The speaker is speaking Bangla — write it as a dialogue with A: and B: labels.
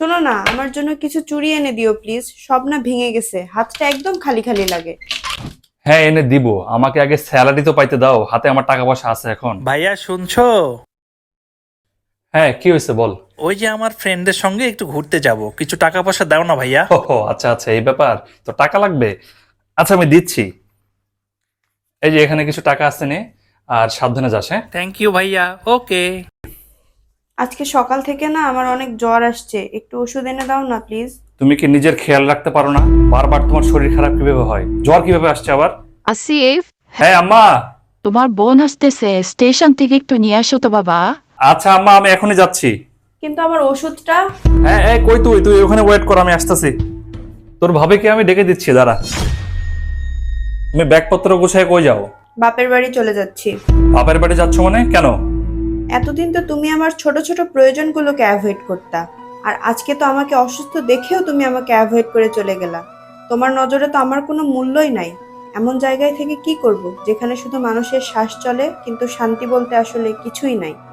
A: শোনো না, আমার জন্য কিছু চুড়ি এনে দিও প্লিজ। সব না ভেঙে গেছে, হাতটা একদম খালি খালি লাগে।
B: হ্যাঁ, এনে দিব। আমাকে আগে স্যালারি তো পাইতে দাও, হাতে আমার টাকা পয়সা আছে এখন।
C: ভাইয়া শুনছো?
B: হ্যাঁ, কি হয়েছে বল।
C: ওই যে আমার ফ্রেন্ডের সঙ্গে একটু ঘুরতে যাব, কিছু টাকা পয়সা দাও না ভাইয়া।
B: ও আচ্ছা আচ্ছা, এই ব্যাপার। তো টাকা লাগবে। আচ্ছা, আমি দিচ্ছি। এই যে এখানে কিছু টাকা আছে, নে। আর সাবধানে যাস, হ্যাঁ।
C: থ্যাংক ইউ ভাইয়া। ওকে।
A: আজকে সকাল থেকে না আমার অনেক জ্বর আসছে, একটু ওষুধ এনে দাও না প্লিজ।
B: তুমি কি নিজের খেয়াল রাখতে পারো না? বারবার তোমার শরীর খারাপ কিভাবে হয়, জ্বর কিভাবে আসছে আবার?
D: আসিফ,
B: হ্যাঁ আম্মা।
D: তোমার বোন আসতেছে, স্টেশন থেকে একটু নিয়ে আসো তো বাবা।
B: আচ্ছা আম্মা, আমি এখনই যাচ্ছি।
A: কিন্তু আমার ওষুধটা।
B: হ্যাঁ হ্যাঁ, কই তুই তুই ওখানে ওয়েট কর, আমি আসতেছি। তোর ভাবিকে আমি ডেকে দিচ্ছি, দাঁড়া। তুমি ব্যাগপত্র গুছায় কই যাও?
A: বাপের বাড়ি চলে যাচ্ছি।
B: বাপের বাড়ি যাচ্ছ মানে, কেন?
A: এতদিন তো তুমি আমার ছোট ছোট প্রয়োজনগুলোকে অ্যাভয়েড করতা, আর আজকে তো আমাকে অসুস্থ দেখেও তুমি আমাকে অ্যাভয়েড করে চলে গেলা। তোমার নজরে তো আমার কোনো মূল্যই নাই। এমন জায়গায় থেকে কি করব যেখানে শুধু মানুষের শ্বাস চলে, কিন্তু শান্তি বলতে আসলে কিছুই নাই।